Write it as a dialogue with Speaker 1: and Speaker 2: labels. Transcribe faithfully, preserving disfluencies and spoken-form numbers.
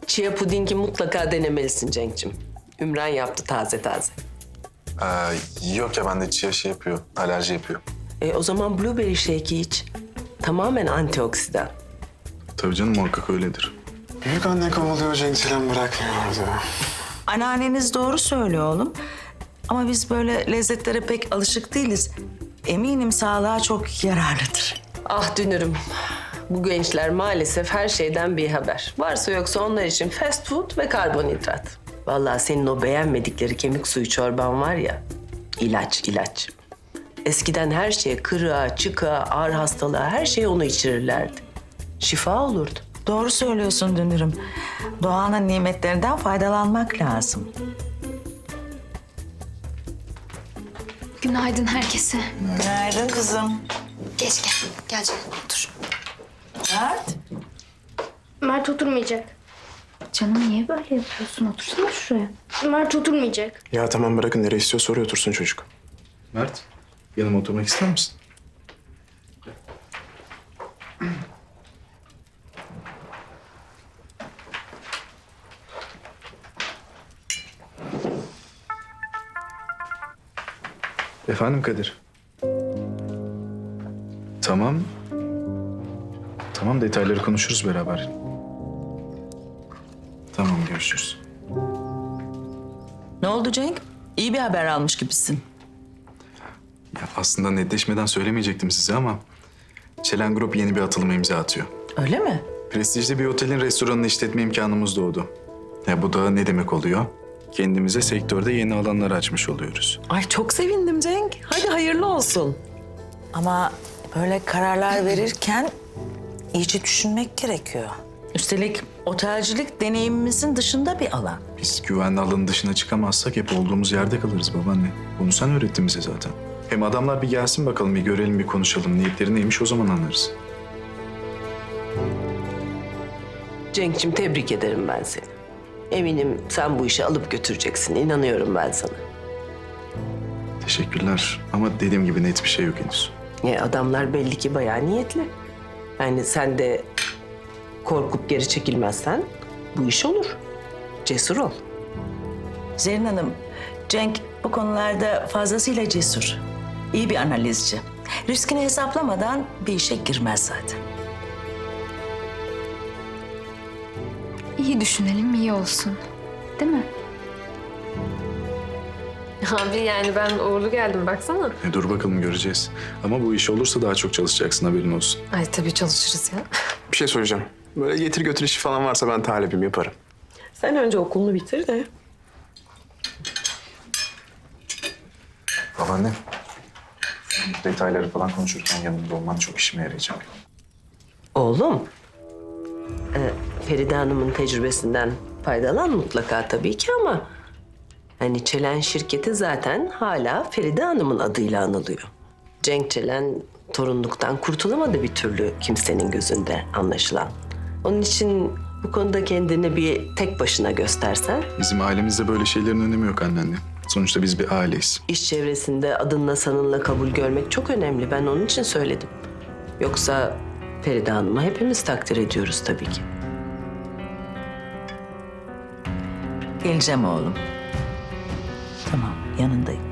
Speaker 1: Chia pudingi mutlaka denemelisin Cenk'cim. Ümran yaptı taze taze.
Speaker 2: Ee, yok ya bende chia şey yapıyor, alerji yapıyor.
Speaker 1: E, o zaman blueberry shake'i iç. Tamamen antioksidan.
Speaker 2: Tabii canım muhakkak öyledir.
Speaker 3: Büyük anne kovalıyor Cenk Çelen bırakmıyordu.
Speaker 4: Anneanneniz doğru söylüyor oğlum. Ama biz böyle lezzetlere pek alışık değiliz. Eminim sağlığa çok yararlıdır.
Speaker 1: Ah dünürüm. Bu gençler maalesef her şeyden bir haber. Varsa yoksa onlar için fast food ve karbonhidrat. Vallahi senin o beğenmedikleri kemik suyu çorban var ya, ilaç ilaç. Eskiden her şeye kırığa, çıkığa, ağır hastalığa her şeye onu içirirlerdi. Şifa olurdu.
Speaker 4: Doğru söylüyorsun Dünürüm. Doğanın nimetlerinden faydalanmak lazım.
Speaker 5: Günaydın herkese.
Speaker 4: Günaydın kızım.
Speaker 5: Geç gel. Gel canım otur.
Speaker 4: Mert.
Speaker 6: Mert oturmayacak.
Speaker 5: Canım niye böyle yapıyorsun? Otursana şuraya.
Speaker 6: Mert oturmayacak.
Speaker 3: Ya tamam bırakın nereye istiyorsa oraya otursun çocuk.
Speaker 2: Mert, yanıma oturmak ister misin? Efendim Kadir. Tamam. Tamam detayları konuşuruz beraber. Tamam görüşürüz.
Speaker 4: Ne oldu Cenk? İyi bir haber almış gibisin.
Speaker 2: Ya aslında netleşmeden söylemeyecektim size ama Çelen Grup yeni bir atılıma imza atıyor.
Speaker 4: Öyle mi?
Speaker 2: Prestijli bir otelin restoranını işletme imkanımız doğdu. Ya bu da ne demek oluyor? Kendimize sektörde yeni alanlar açmış oluyoruz.
Speaker 1: Ay çok sevindim Cenk. Hadi hayırlı olsun.
Speaker 4: Ama böyle kararlar verirken iyice düşünmek gerekiyor. Üstelik otelcilik deneyimimizin dışında bir alan.
Speaker 2: Biz güvenli alanın dışına çıkamazsak hep olduğumuz yerde kalırız babaanne. Bunu sen öğrettin bize zaten. Hem adamlar bir gelsin bakalım, bir görelim, bir konuşalım. Niyetleri neymiş o zaman anlarız.
Speaker 1: Cenk'cim tebrik ederim ben seni. Eminim sen bu işi alıp götüreceksin. İnanıyorum ben sana.
Speaker 2: Teşekkürler ama dediğim gibi net bir şey yok henüz.
Speaker 1: Ya adamlar belli ki bayağı niyetli. Yani sen de korkup geri çekilmezsen bu iş olur. Cesur ol.
Speaker 4: Zerrin Hanım, Cenk bu konularda fazlasıyla cesur. İyi bir analizci. Riskini hesaplamadan bir işe girmez zaten.
Speaker 5: İyi düşünelim, iyi olsun. Değil mi?
Speaker 7: Abi yani ben uğurlu geldim baksana.
Speaker 2: E dur bakalım göreceğiz. Ama bu iş olursa daha çok çalışacaksın, haberin olsun.
Speaker 7: Ay tabii çalışırız ya.
Speaker 3: Bir şey söyleyeceğim. Böyle getir götür işi falan varsa ben talibim yaparım.
Speaker 1: Sen önce okulunu bitir de.
Speaker 2: Babaanne, detayları falan konuşurken yanımda olman çok işime yarayacak.
Speaker 1: Oğlum, e, Feride Hanım'ın tecrübesinden faydalan mutlaka tabii ki ama... hani Çelen şirketi zaten hala Feride Hanım'ın adıyla anılıyor. Cenk Çelen torunluktan kurtulamadı bir türlü kimsenin gözünde anlaşılan. Onun için bu konuda kendini bir tek başına göstersen...
Speaker 2: Bizim ailemizde böyle şeylerin önemi yok anneanne. Sonuçta biz bir aileyiz.
Speaker 1: iş çevresinde adınla sanınla kabul görmek çok önemli. Ben onun için söyledim. Yoksa Feride Hanım'ı hepimiz takdir ediyoruz tabii ki.
Speaker 4: Geleceğim oğlum. Tamam, yanındayım.